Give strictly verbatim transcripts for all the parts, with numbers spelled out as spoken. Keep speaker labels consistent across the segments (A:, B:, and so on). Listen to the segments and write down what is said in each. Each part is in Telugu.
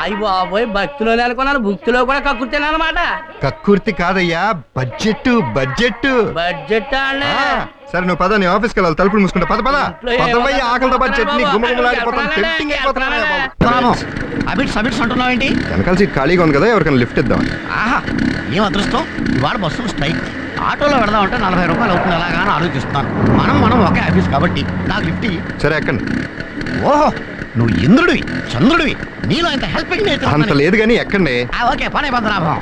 A: అయ్యి బాబోయ్, భక్తిలో నెలకొన్నాను, భక్తిలో కూడా కక్కుర్తాను అనమాట.
B: కక్కుర్తి కాదయ్యా, బడ్జెట్ బడ్జెట్
A: బడ్జెట్ అన్నా.
B: సరే నువ్వు పద, నీ ఆఫీస్కి వెళ్ళాలి, తలుపులు మూసుకుంటా. పద పద పదవయ్య, ఆకలితో పాటు చట్నీ గుమ్మగుమ్మలాడిపోతాను, టెంప్టింగ్ అయిపోతున్నాను.
C: అబిట్స్ అబిట్స్ అంటున్నావేంటి?
B: వెనకాల సీట్ ఖాళీగా ఉంది కదా, ఎవరికైనా లిఫ్ట్ ఇద్దాం.
C: ఆహా, ఏం అదృష్టం, ఇవాళ బస్సులు స్ట్రైక్. ఆటోలో వెళదామంటే నలభై రూపాయలు అవుతుంది ఎలాగా అని ఆలోచిస్తున్నాను. మనం మనం ఒకే ఆఫీస్ కాబట్టి నాకు లిఫ్ట్ ఇయ్యి.
B: సరే ఎక్కండి.
C: ఓహో, నువ్వు ఇంద్రుడివి చంద్రుడివి, నీలో ఇంత హెల్పింగ్
B: అంత లేదు కానీ ఎక్కండి.
C: ఓకే, పనే పద్మనాభం.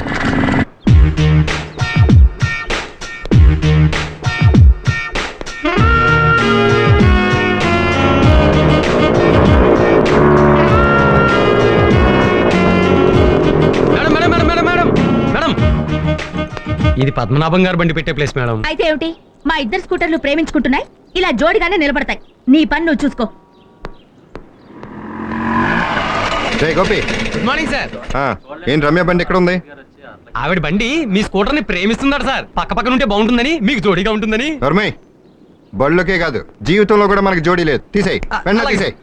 D: ఇది పద్మనాభం గారు బండి పెట్టే ప్లేస్ మేడం.
E: అయితే ఏమిటి, మా ఇద్దరు స్కూటర్లు ప్రేమించుకుంటున్నాయి, ఇలా జోడిగానే నిలబడతాయి. నీ పని నువ్వు చూసుకో.
B: జై గోపి.
D: Good morning sir.
B: ఏం రమ్య బండి ఎక్కడ ఉంది?
D: ఆవిడ బండి మీ స్కూటర్ ని ప్రేమిస్తున్నాడు సార్. పక్క పక్కన ఉంటే బాగుంటుందని, మీకు జోడీగా ఉంటుందని.
B: ధర్మయ్, బళ్ళకే కాదు జీవితంలో కూడా మనకి జోడీ లేదు. తీసేయి, వెంటనే తీసేయి.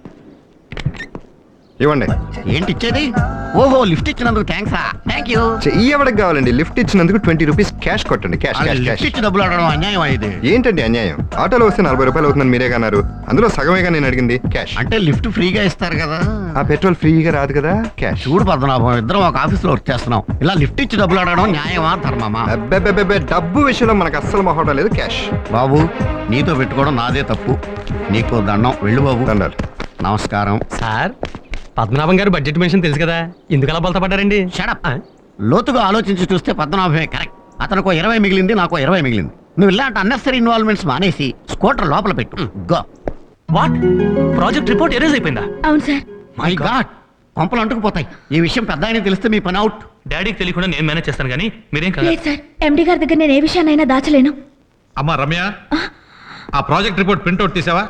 B: ఇవ్వండి.
C: ఏంటి ఇచ్చేది? ఓహో, లిఫ్ట్ ఇచ్చినందుకు థ్యాంక్స్. Thank you.
B: చెయ్యి ఎవరికి కావాలండి? లిఫ్ట్ ఇచ్చినందుకు ట్వంటీ రూపీస్ క్యాష్ కొట్టండి. Cash cash cash.
C: ఇచ్చి డబ్బులు అడగడం అన్యాయం అయ్యేది.
B: ఏంటండి అన్యాయం? ఆటోలో వస్తే నలభై రూపాయలు అవుతుందని మీరే కన్నారు, అందులో సగమేగా నేను అడిగింది. క్యాష్
C: అంటే లిఫ్ట్ ఫ్రీగా ఇస్తారు కదా.
B: ఆ పెట్రోల్ ఫ్రీగా రాదు కదా. క్యాష్.
C: చూడు పద్మనాభం, ఇద్దరం ఒక ఆఫీస్ లో వర్క్ చేస్తున్నాం, ఇలా లిఫ్ట్ ఇచ్చి డబ్బులు అడగడం న్యాయమా ధర్మమా?
B: అబ్బెబ్బెబ్బె, డబ్బు విషయంలో మనకు అస్సలు మొహటం లేదు. క్యాష్.
C: బాబు, నీతో పెట్టుకోవడం నాదే తప్పు, నీకు దండం. వెళ్ళు బాబు.
B: దండాలు.
C: నమస్కారం
D: సార్, పద్మనాభం గారు బడ్జెట్ మెన్షన్ తెలుసు కదా, ఎందుకు అలా బలత పడ్డారండి?
C: షడప్. లోతుగా ఆలోచించి చూస్తే పద్మనాభమే కరెక్ట్. అతనికి ఇరవై మిగిలింది, నాకు ఇరవై మిగిలింది. నువ్వు ఇలాంటి అన్నెసరీ ఇన్వాల్వ్మెంట్స్ మానేసి స్కూటర్ లోపల పెట్టు. Go.
D: What? Project report erase అయిపోయిందా?
E: అవును సార్.
C: మై గాడ్, కొంపలు అంటుకుపోతాయి. ఈ విషయం పెద్ద ఆయన తెలిస్తే మీ పని అవుట్.
D: డాడీకి తెలియకుండా నేను మేనేజ్ చేస్తాను, కానీ మీరేం కదా.
E: లేదు సార్, ఎండి గారి దగ్గర నేను ఏ విషయాన్నైనా దాచలేను.
F: అమ్మా రమ్య, ఆ ప్రాజెక్ట్ రిపోర్ట్ ప్రింట్అవుట్ తీసావా?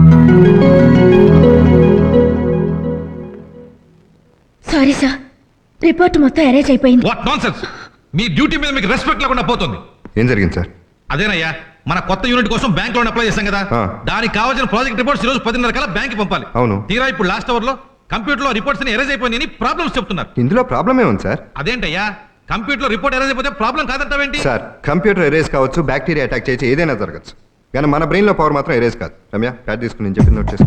E: సారీ సార్, రిపోర్ట్ మొత్తం అరేంజ్ అయిపోయింది.
F: What nonsense! మీ డ్యూటీ మీద మీకు రెస్పెక్ట్ లేకుండా పోతుంది.
B: ఏం జరిగింది సార్?
F: అదేనయ్యా, మన కొత్త యూనిట్ కోసం బ్యాంక్ లోన్ అప్లై చేశాం కదా, దానికి కావాల్సిన ప్రాజెక్ట్ రిపోర్ట్స్ ఈ రోజు పదిన్నర కల్లా బ్యాంక్ పంపాలి.
B: అవును.
F: తీరా ఇప్పుడు లాస్ట్ అవర్ లో కంప్యూటర్ లో రిపోర్ట్స్ ఎరేజ్ అయిపోయినాయని ప్రాబ్లమ్స్ చెప్తున్నారు.
B: ఇందులో ప్రాబ్లం ఏముంది సార్?
F: అదేంటయ్యా, కంప్యూటర్ లో రిపోర్ట్ ఎరేజ్ అయిపోతే ప్రాబ్లం కాదంటావేంటి?
B: సార్, కంప్యూటర్ ఎరేజ్ కావచ్చు, బ్యాక్టీరియా అటాక్ చేసి ఏదైనా జరగచ్చు, కానీ మన బ్రెయిన్ లో పవర్ మాత్రం ఎరేజ్ కాదు. రమ్య, ప్యాడ్ తీసుకుని నేను చెప్పి నోట్ చేసుకో.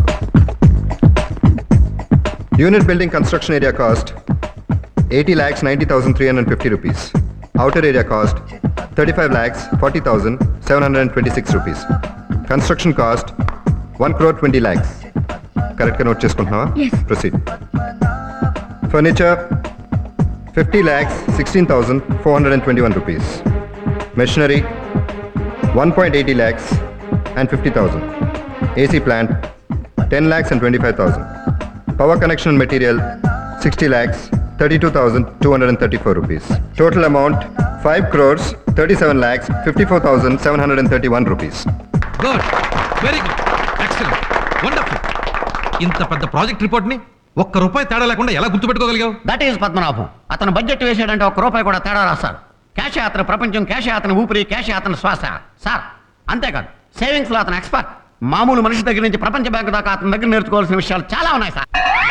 B: Unit building construction area cost eighty lakhs ninety thousand three hundred fifty rupees. Outer area cost thirty five lakhs forty thousand seven hundred and twenty six rupees. Construction cost one crore twenty lakhs. కరెక్ట్గా నోట్ చేసుకుంటున్నావా? Proceed. Furniture fifty lakhs sixteen thousand four hundred and twenty one rupees. Machinery one point eighty lakhs and fifty thousand. AC plant ten lakhs and twenty five thousand. Power connection material sixty lakhs thirty-two thousand two hundred thirty-four rupees. Total amount five crores thirty-seven lakhs fifty-four thousand seven hundred thirty-one rupees.
F: Good, very good, excellent, wonderful. ఇంత పెద్ద ప్రాజెక్ట్ రిపోర్ట్ ని ఒక్క రూపాయి తేడా లేకుండా ఎలా గుర్తుపెట్టుకోగలిగావు?
C: That is Padmanabham. అతను బడ్జెట్ వేసాడంటే ఒక్క రూపాయి కూడా తేడా రాశారు. క్యాష్ అతని ప్రపంచం, క్యాష్ అతని ఊపిరి, క్యాష్ అతని శ్వాస. సార్, అంతేకాదు, సేవింగ్స్ లో అతను ఎక్స్పర్ట్. మామూలు మనిషి దగ్గర నుంచి ప్రపంచ బ్యాంకు దాకా అతని దగ్గర నేర్చుకోవాల్సిన విషయాలు చాలా ఉన్నాయి సార్.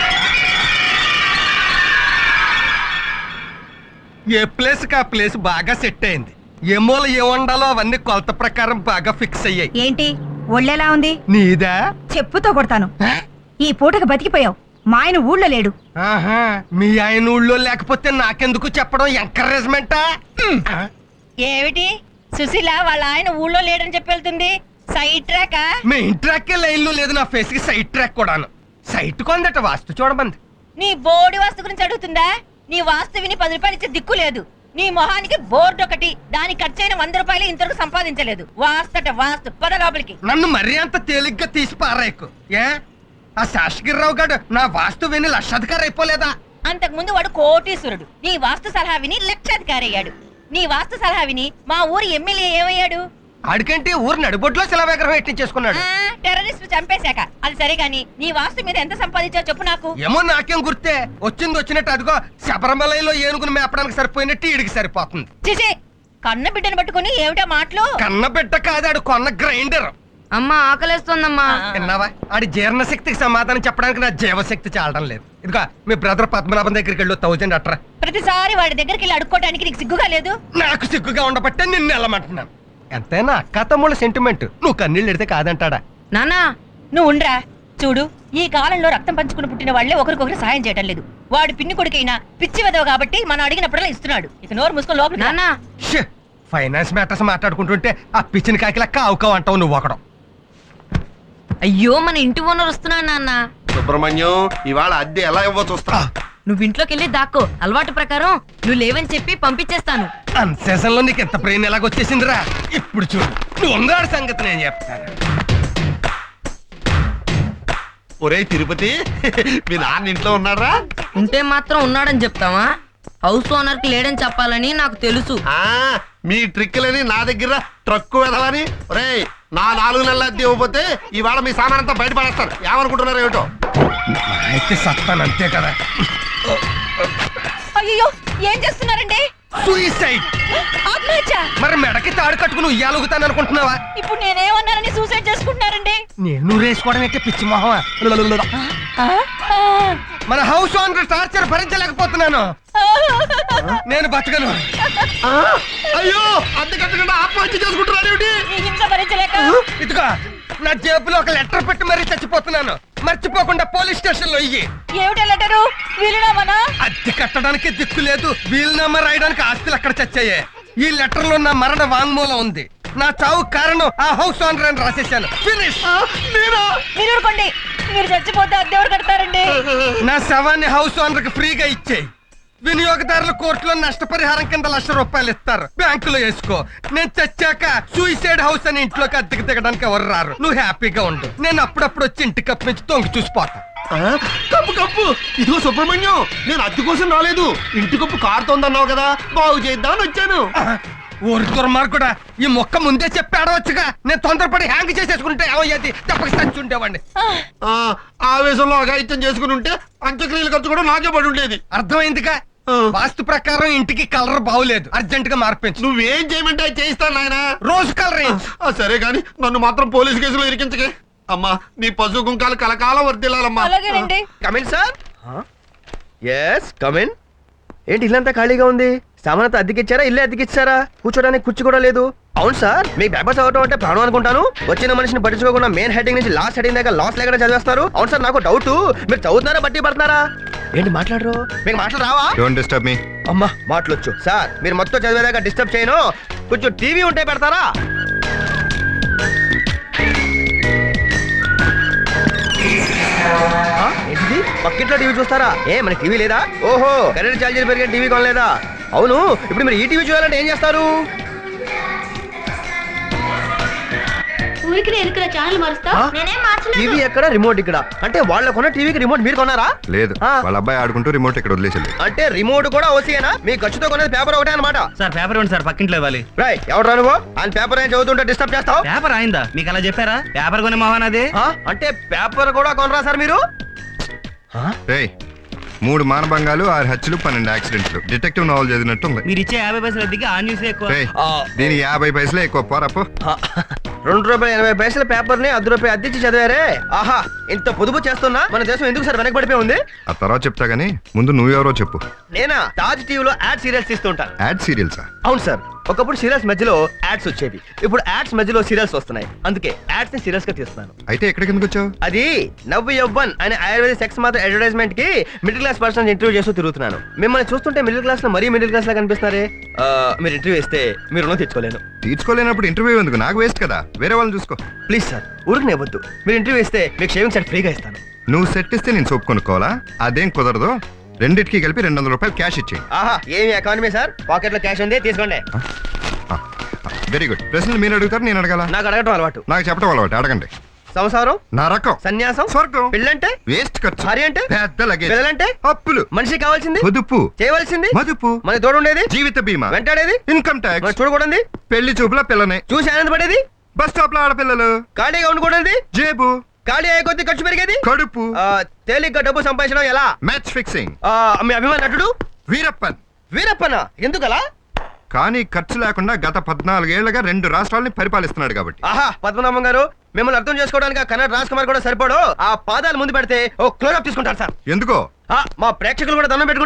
G: ఏ ప్లేస్ కా ప్లేస్ బాగా సెట్ అయింది. ఏ మూల ఏ వండాలో అవన్నీ కొలత ప్రకారం బాగా ఫిక్స్ అయ్యాయి.
H: ఏంటి ఒళ్ళెలా ఉంది?
G: నీదా?
H: చెప్పుతో కొడతాను. ఈ పూటకు బతికిపోయావు. మా ఆయన ఊళ్ళో లేడు.
G: ఆహా, మీ ఆయన ఊళ్ళో లేకపోతే నాకెందుకు చెప్పడం? ఎంకరేజ్మెంటా?
H: ఏమిటి సుశీల వాళ్ళ ఆయన ఊళ్ళో లేడని చెప్పి వెళ్తుంది? Side track?
G: Main track line లో లేదు, నా ఫేస్ కి సైడ్ ట్రాక్ కూడాను. సైట్ కొందట వాస్తు చూడమంది.
H: నీ బోర్డు వాస్తు గురించి అడుగుతుందా? నీ వాస్తు విని పది రూపాయలు ఇచ్చే దిక్కు లేదు. నీ మొహానికి బోర్డు ఒకటి, దానికి ఖర్చైన వంద రూపాయలు ఇంతవరకు సంపాదించలేదు. వాస్తట వాస్తు, పద లోపలికి.
G: నన్ను మరీ అంత తేలిగ్గా తీసి పారాయకు. ఏ ఆ శాసగిరిరావు గారు నా వాస్తు విని లక్షాధికారి అయిపోలేదా?
H: అంతకు ముందు వాడు కోటీశ్వరుడు. నీ వాస్తు సలహా విని లక్షాధికారి అయ్యాడు. నీ వాస్తు సలహా విని మా ఊరి ఎమ్మెల్యే ఏమయ్యాడు?
G: ఆడికంటే ఊరు నడిబొడ్లో శిలా విగ్రహం ఎట్టించేసుకున్నాడు.
H: టెర్రరిస్ట్ చంపేశాక. అది సరే గాని నీ వాస్తు మీద ఎంత సంపాదించావు చెప్పు నాకు.
G: ఏమో నాకేం గుర్తే, వచ్చింది వచ్చినట్టు అదిగో శబరిమలలో ఏనుగును మేపడానికి సరిపోయినట్టు ఈడికి సరిపోతుంది.
H: చిచి, కన్న బిడ్డను పట్టుకుని ఏమిటా మాటలు?
G: కన్న బిడ్డ కాదాడు, కొన్న గ్రైండర్.
I: అమ్మా ఆకలేస్తోందమ్మా.
G: విన్నావా ఆడి జీర్ణశక్తికి సమాధానం చెప్పడానికి నా జీవశక్తి చాలడం లేదు. ఇదిగో మీ బ్రదర్ పద్మనాభం దగ్గరికి వెళ్ళు థౌజండ్ అట్రా.
H: ప్రతిసారి వాడి దగ్గరికి వెళ్ళి అడుక్కోవడానికి నీకు సిగ్గుగా లేదు?
G: నాకు సిగ్గుగా ఉండబట్టే నిన్ను వెళ్ళమంటున్నాను. ఎంతైనా అక్క తమ్ముళ్ళ సెంటిమెంట్. నువ్వు కన్నీళ్ళు ఎడితే కాదంటాడా?
I: నానా
H: నువ్వు ఉండ్రా. చూడు, ఈ కాలంలో రక్తం పంచుకుని పుట్టిన వాళ్లే ఒకరికొకరు సాయం చేయటం లేదు. వాడు పిన్ని కొడుకైనా పిచ్చి వెదవ కాబట్టి మనం అడిగినప్పుడల్లా ఇస్తున్నాడు. ఇక నోరు మూసుకొని లోపల
I: నానా
G: షే, ఫైనాన్స్ మ్యాటర్స్ మాట్లాడుకుంటుంటే ఆ పిచ్చిన కాకి లెక్క ఆవుకావు అంటావు నువ్వు ఒకడం.
I: అయ్యో మన ఇంటి ఓనర్ వస్తున్నాడు నాన్న.
C: సుబ్రహ్మణ్యం ఇవాళ అద్దె ఎలా ఇవ్వ చూస్తా.
I: నువ్వు ఇంట్లోకి వెళ్ళి దాక్కో. అలవాటు ప్రకారం నువ్వు లేవని చెప్పి పంపించేస్తాను.
G: అన్సేషన్ లో నీకు ఎంత బ్రెయిన్ ఎలాగొచ్చేసిందిరా? ఇప్పుడు చూడు, నువ్వు ఉంగాడి సంగతి నేను చెప్తాను.
C: ఒరే తిరుపతి, మీ నాన్న ఇంట్లో ఉన్నారా?
I: ఉంటే మాత్రం ఉన్నాడని చెప్తావా? హౌస్ ఓనర్ కి లేడని చెప్పాలని నాకు తెలుసు.
C: ఆ మీ ట్రిక్లని నా దగ్గర ట్రక్కు వెదవని. ఒరే నా నాలుగు నెలల అద్దె ఇవ్వకపోతే ఇవాళ మీ సామాన్ అంతా బయటపడేస్తారు. ఏమనుకుంటున్నారు ఏమిటో?
G: అయితే సత్తాను అంతే కదా.
H: అయ్యో, ఏం చేస్తున్నారండి?
G: సూయిసైడ్.
H: ఆత్మహత్య?
G: మరి మెడకి తాడు కట్టుకుని ఉయ్యాలుగుతాను అనుకుంటున్నావా?
H: ఇప్పుడు నేనేమన్నానని సూసైడ్ చేసుకుంటున్నారండి?
G: నేను రేసుకోవడం అయితే పిచ్చి మొహమా?
H: ఆ? ఆ.
G: మన హౌస్ ఓనర్ టార్చర్ భరించలేకపోతున్నాను. నేను బతకను.
C: అయ్యో అద్దె కట్టకుండా ఆత్మహత్య చేసుకుంటున్నారు ఏమిటి?
H: ఈ హింస భరించలేక
G: ఇదిగో నా జేబులో ఒక లెటర్ పెట్టి మరీ చచ్చిపోతున్నాను. మర్చిపోకుండా పోలీస్ స్టేషన్ లో ఇయ్యి.
H: ఏమిటా లెటరు? వీలునామానా?
G: అద్దె కట్టడానికి దిక్కు లేదు, వీలునామా రాయడానికి ఆస్తులు అక్కడ చచ్చాయే. ఈ లెటర్ లో నా మరణ వాంగ్మూలం ఉంది. నా చావు కారణం ఆ హౌస్ ఓనర్ అని రాసేసాను. ఫినిష్.
H: మీరు ఊరుకోండి. మీరు చచ్చిపోతే అద్దెవరు కడతారండి?
G: నా శవాన్ని హౌస్ ఓనర్ కి ఫ్రీగా ఇచ్చేయి. వినియోగదారుల కోర్టులో నష్టపరిహారం కింద లక్ష రూపాయలు ఇస్తారు. బ్యాంకులో వేసుకో. నేను చచ్చాక సూసైడ్ హౌస్ అని ఇంట్లోకి అద్దెకి దిగడానికి ఎవరు రారు. నువ్వు హ్యాపీగా ఉండు. నేను అప్పుడప్పుడు వచ్చి ఇంటి కప్పు నుంచి తొంగి చూసిపోతా.
C: కప్పు కప్పు ఇదిగో సుబ్రహ్మణ్యం, నేను అద్దె కోసం రాలేదు. ఇంటి కప్పు కారుతోందన్నావు కదా, బాగు చేద్దామని వచ్చాను.
G: ఊరి దుర్మార్గుడా, ఈ మొక్క ముందే చెప్పి ఆడవచ్చుగా. నేను తొందరపడి హ్యాంగ్ చేసేసుకుంటే ఏమయ్యేది? తప్పక చచ్చి ఉండేవాడిని.
C: ఆ ఆవేశంలో అఘాయిత్యం చేసుకుని ఉంటే అంత్యక్రియల ఖర్చు కూడా నాకే పడి ఉండేది.
G: అర్థమైందిగా? వాస్తు ప్రకారం ఇంటికి కలర్ బాగులేదు, అర్జెంట్ గా మార్పించు.
C: నువ్వేం చేయమంటే అది చేయిస్తాను నాయన.
G: రోజు కలర్.
C: సరే గాని నన్ను మాత్రం పోలీసు కేసులో ఇరికించకే. అమ్మా నీ పశు కుంకాలు కలకాలం వర్దిల్లాలమ్మా.
H: అలాగేనండి.
J: Come in sir. Yes come in. ఏంటి ఇల్లంతా ఖాళీగా ఉంది? సామానంతా అద్దెకిచ్చారా? ఇల్లే అద్దెకిచ్చారా? కూర్చోడానికి కుర్చీ కూడా లేదు. అవును సార్, మీకు పేపర్స్ చదవటం అంటే ప్రాణం అనుకుంటాను. వచ్చిన మనిషిని పట్టించుకోకుండా మెయిన్ హెడ్డింగ్ నుంచి లాస్ట్ హెడ్డింగ్ దాకా లాస్ లేకుండా చదివేస్తారు. అవును సార్, నాకు డౌట్, మీరు చదువుతున్నారా బట్టి పడుతున్నారా? ఏంటి మాట్లాడరు? మీకు మాటలు రావా?
B: Don't disturb me.
J: అమ్మా మాటలొచ్చు సార్. మీరు మొత్తం చదివేదాకా డిస్టర్బ్ చేయను. కొంచెం టీవీ ఉంటే పెడతారా? ఏంటిది? పక్కింట్లో టీవీ చూస్తారా? ఏ మన టీవీ లేదా? ఓహో, కరెంట్ ఛార్జీలు పెరిగిన టీవీ కొనలేదా? అవును, ఇప్పుడు మీరు ఈ టీవీ చూడాలంటే ఏం చేస్తారు? టీవీ ఎక్కడ, రిమోట్ ఇక్కడ. అంటే వాళ్ళ కొన్న టీవీకి రిమోట్ మీరు కొన్నారా?
B: లేదు, వాళ్ళ అబ్బాయి ఆడుకుంటూ రిమోట్ ఇక్కడ వదిలేసింది.
J: అంటే రిమోట్ కూడా ఓసీయేనా? మీ ఖర్చుతో కొనేది పేపర్ ఒకటే అనమాట.
D: సార్ పేపర్ ఇవ్వండి సార్, పక్కింట్లో ఇవ్వాలి.
J: రాయ్, ఎవరు రా నువ్వు? ఆయన పేపర్ ఏం చదువుతుంటే డిస్టర్బ్ చేస్తావు?
D: పేపర్ అయిందా మీకు అలా చెప్పారా? పేపర్ కొనే మోహన్ అది.
J: ఆ? అంటే పేపర్ కూడా కొనరా సార్ మీరు?
B: రేయ్, మూడు మానభంగాలు, ఆరు హత్యలు, పన్నెండు యాక్సిడెంట్లు. డిటెక్టివ్ నావల్ చదివినట్టు ఉంది.
D: మీరు ఇచ్చే యాభై పైసలు అద్దెకి ఆ న్యూస్ ఎక్కువ.
B: రేయ్, దీనికి యాభై పైసలే ఎక్కువ. పోరప్పు.
J: రెండు రూపాయల ఎనభై పైసల పేపర్ ని అర్ధ రూపాయి అద్దెచ్చి చదివారే. ఆహా, ఇంత పొదుపు చేస్తున్నా మన దేశం ఎందుకు సార్ వెనకబడిపోయి ఉంది?
B: ఆ తర్వాత చెప్తా గానీ ముందు నువ్వెవరో చెప్పు.
J: నేనా? తాజ్ టీవీలో యాడ్ సీరియల్స్ ఇస్తుంటా.
B: యాడ్ సీరియల్సా?
J: అవును సార్, ఒకప్పుడు సీరియల్స్ మధ్యలో యాడ్స్ వచ్చేది. ఇప్పుడు యాడ్స్ మధ్యలో సీరియల్స్ వస్తున్నాయి. అందుకే యాడ్స్ ని సీరియల్స్ గా తీస్తున్నాను.
B: అయితే ఎక్కడికి ఎందుకు వచ్చావు?
J: అది నవ్వు యవ్వన్ అనే ఆయుర్వేద సెక్స్ మాత్రం అడ్వర్టైజ్మెంట్ కి మిడిల్ క్లాస్ పర్సన్ ఇంటర్వ్యూ చేస్తూ తిరుగుతున్నాను. మిమ్మల్ని చూస్తుంటే మిడిల్ క్లాస్ లో మరీ మిడిల్ క్లాస్ లా కనిపిస్తున్నారే. ఆ, మీరు ఇంటర్వ్యూ ఇస్తే మీరు రుణం తెచ్చుకోలేను.
B: తీర్చుకోలేనప్పుడు ఇంటర్వ్యూ ఎందుకు? నాకు వేస్ట్ కదా, వేరే వాళ్ళని చూసుకో.
J: ప్లీజ్ సార్, ఊరికి ఇవ్వద్దు. మీరు ఇంటర్వ్యూ ఇస్తే మీకు షేవింగ్ సెట్ ఫ్రీగా ఇస్తాను.
B: నువ్వు సెట్ ఇస్తే నేను సోప్ కొనుక్కోవాలా? అదేం కుదరదు. రెండింటికి కలిపి రెండు వందల రూపాయలు క్యాష్ ఇచ్చేయి.
J: ఆహా, ఏమి ఎకానమీ సార్, పాకెట్ లో క్యాష్ ఉంది, తీసుకోండి.
B: Very good. ప్రశ్నలు మీరు అడుగుతారు, నేను అడగాల?
J: నాకు అడగటం అలవాటు.
B: నాకు చెప్పడం అలవాటు. అడగండి.
J: సంసారం,
B: నరకం,
J: సన్యాసం,
B: స్వర్గం,
J: పెళ్ళంటే,
B: వేస్ట్ ఖర్చు,
J: భార్య అంటే,
B: పెద్ద లగేజ్,
J: పిల్లలంటే,
B: అప్పులు,
J: మనిషి కావాల్సింది,
B: పొదుపు,
J: చేయవలసింది,
B: మదుపు,
J: మన తోడు ఉండేది,
B: జీవిత బీమా,
J: వెంటాడేది,
B: ఇన్కమ్ ట్యాక్స్,
J: చూడకూడదు,
B: పెళ్లి చూపుల పిల్లని
J: చూసి ఆనందపడేది,
B: బస్ స్టాప్ లో ఆడపిల్లలు,
J: ఖాళీగా ఉండకూడదు,
B: జేబు,
J: ఖాళీ అయ్యే కొద్ది ఖర్చు పెరిగేది,
B: కడుపు,
J: తేలిగ్గా డబ్బు సంపాదించడం ఎలా,
B: మ్యాచ్ ఫిక్సింగ్,
J: మీ అభిమాన నటుడు
B: వీరప్పన్.
J: వీరప్పన ఎందుకలా?
B: కానీ ఖర్చు లేకుండా గత పద్నాలుగేళ్లుగా రెండు రాష్ట్రాలని పరిపాలిస్తున్నాడు కాబట్టి.
J: ఆహా పద్మనాభం గారు, మిమ్మల్ని అర్థం చేసుకోవడానికి ఆ కన్నడ రాజ్ కుమార్ కూడా సరిపోడు. ఆ పాదాలు ముందు పెడితే ఓ క్లోజ్ అప్ తీసుకుంటారు సార్.
B: ఎందుకో
J: ఆ, మా ప్రేక్షకులు కూడా దండం పెట్టుకుంటారు.